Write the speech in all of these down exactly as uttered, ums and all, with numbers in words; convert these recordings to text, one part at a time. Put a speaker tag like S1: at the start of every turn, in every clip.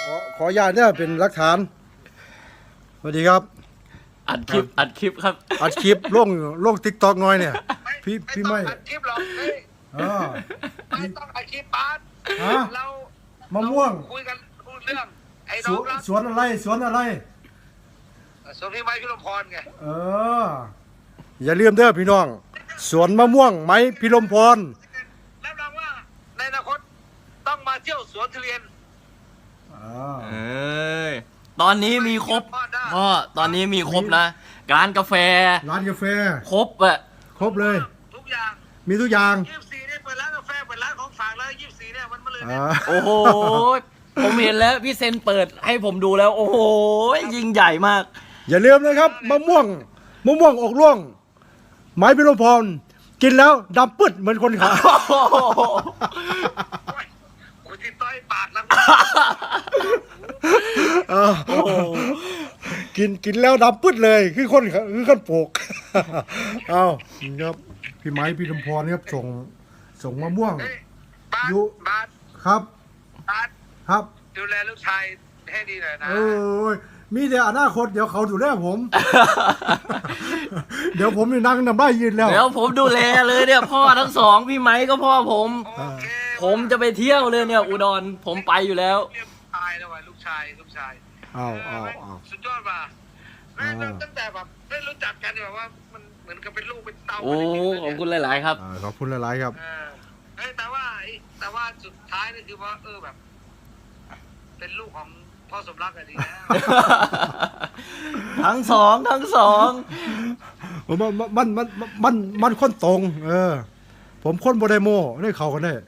S1: ขอขออนุญาตเนี่ยเป็นหลักฐานสวัสดีครับ
S2: อัดคลิปอัดคลิปครับ
S1: อัดคลิปลงลงติ๊กต็อกน้อยเนี่ยพี่พี่ไม่
S3: อัดคลิปหรอกเฮ้ยไม่ต้องอัดคลิปปาร์ตเรา
S1: มะม่วง
S3: คุยกันพูดเรื่องไอ้น้
S1: ส
S3: อ
S1: ว
S3: ง
S1: น
S3: รัก
S1: สวนอะไรสวนอะไร
S3: สวนพี่ไม้พิรมพรไง
S1: เอออย่าลืมเด้อพี่น้องสวนมะม่วงไม้พิรมพร
S3: รับรองว่าในอนาคตต้องมาเที่ยวสวนทุเรียน
S2: เออตอนนี้มีครบพ่อตอนนี้มีครบนะร้านกาแฟ
S1: ร้านกาแฟ
S2: ครบอะ
S1: ครบเลย
S3: ทุกอย่าง
S1: มีทุกอย่าง
S3: ยี่สิบสี่เนี่ยเปิดร้านกาแฟเปิดร้านของฝากแล้วยี่สิบสี่เนี่ยมันมาเลย
S2: โอ้โหผมเห็นแล้วพี่เซนเปิดให้ผมดูแล้วโอ้โหยิ่งใหญ่มาก
S1: อย่าลืมนะครับมะม่วงมะม่วงออกร่วงไม้พิรมพรกินแล้วดำปึ๊ดเหมือนคนขาย
S3: คุณที่ต้อยปากแล้ว
S1: กินกินแล้วดำปึ๊ดเลยคือคนคือคนปลูกเอาครับพี่ไม้พิรมพรครับส่งส่งมะม่วง
S3: ยุบาท
S1: ครับ
S3: บาท
S1: ครับ
S3: ดูแลลูกชายให้ดีหน่อยนะ
S1: โอ้ยมีแต่อนาคตเดี๋ยวเขาดูแลผมเดี๋ยวผมนี่นั่งนำได้ยืนแล้ว
S2: เดี๋ยวผมดูแลเลยเนี่ยพ่อทั้งสองพี่ไม้ก็พ่อผมผมจะไปเที่ยวเลยเนี่ยอุดรผมไปอยู่แล้ว
S3: ตายแล้วว่ะลูกชายลูกชาย
S1: อ้าวอ้าวอ้าว
S3: สุดยอดว่ะแม่ตั้งแต่แบบได้รู้จักกันแบบว่ามันเหมือนกับเป็นลูกเป็นเต้า
S2: โอ้ขอบคุณหลายๆครับ
S1: ขอบคุณหลายๆครับ
S3: เอ้แต่ว่าแต่ว่าสุดท้ายนี่คือว่าเออแบบเป็นลูกของพ่อสมรักอะดีนะ
S2: ทั้งสองทั้งสอง
S1: มันมันมันมันมันคนตรงเออผมคนโบไดโมได้เขากันได้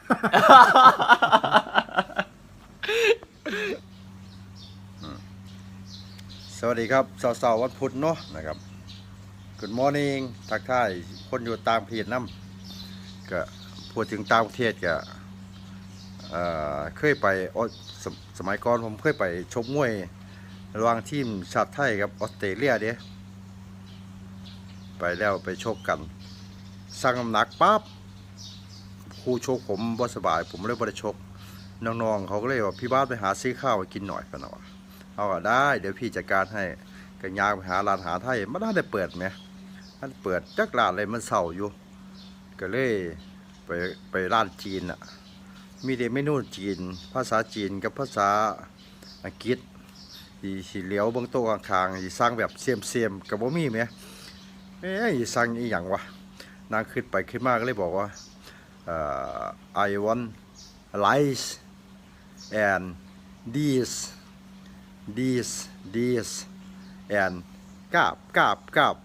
S1: สวัสดีครับสาวๆวันพุธเนาะนะครับ Good morning ทักทายคนอยู่ต่างประเทศน้ำก็พูดถึงต่างประเทศก็เคยไปสสมัยก่อนผมเคยไปชกมวยระหว่างทีมชาติไทยกับออสเตรเลียเด้ไปแล้วไปชกกันสั่งน้ำหนักปั๊บครูชกผมบ่สบายผมเลยบ่ได้ชกน้องๆเขาก็เลยว่าพี่บ้านไปหาซื้อข้าวไปกินหน่อยกันเนาะเอาก็ได้เดี๋ยวพี่จัดการให้กันยางไปหาร้านหาไทยมันได้เปิดไหมมันเปิดจักร้านอะไรมันเศร้าอยู่ก็เลยไปไปร้านจีนอ่ะมีแต่เมนูจีนภาษาจีนกับภาษาอังกฤษที่สีเหลียวบางโต๊ะข้างๆที่สร้างแบบเสียมเสียมกับบ่มีไหมเอ๊ะสั่งอีหยังวะนางขึ้นไปขึ้นมาก็เลยบอกว่าเอ่อ I want rice and this this this and กาบกาบกาบ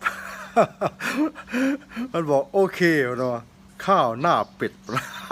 S1: มันบอกโอเคเนาะข้าวหน้าเป็ด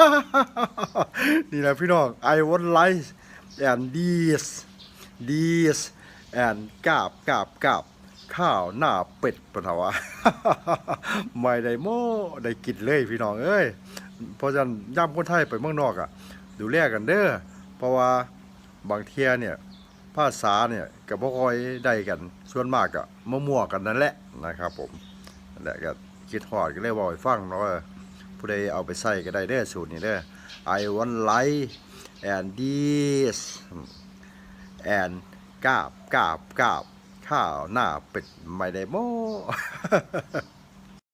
S1: นี่นะพี่น้อง I want rice and this this and กาบกาบกาบข้าวหน้าเป็ดปะเถอะไม่ได้โม่ได้กินเลยพี่น้องเอ้ยเพราะฉะนั้นย่ำคนไทยไปเมืองนอกอ่ะดูแลกันเด้อเพราะว่าบางเที่ยเนี่ยภาษาเนี่ยกับพ่อคอยได้กันส่วนมากก็มั่วๆกันนั่นแหละนะครับผมนั่นแหละก็คิดหอดก็เลยบอกให้ฟังเนาะว่าผู้ใดเอาไปใส่ก็ได้เด้อสูตรนี้เด้อ I want rice and this and กาบกาบกาบข้าวหน้าเป็ดไม่ได้โม้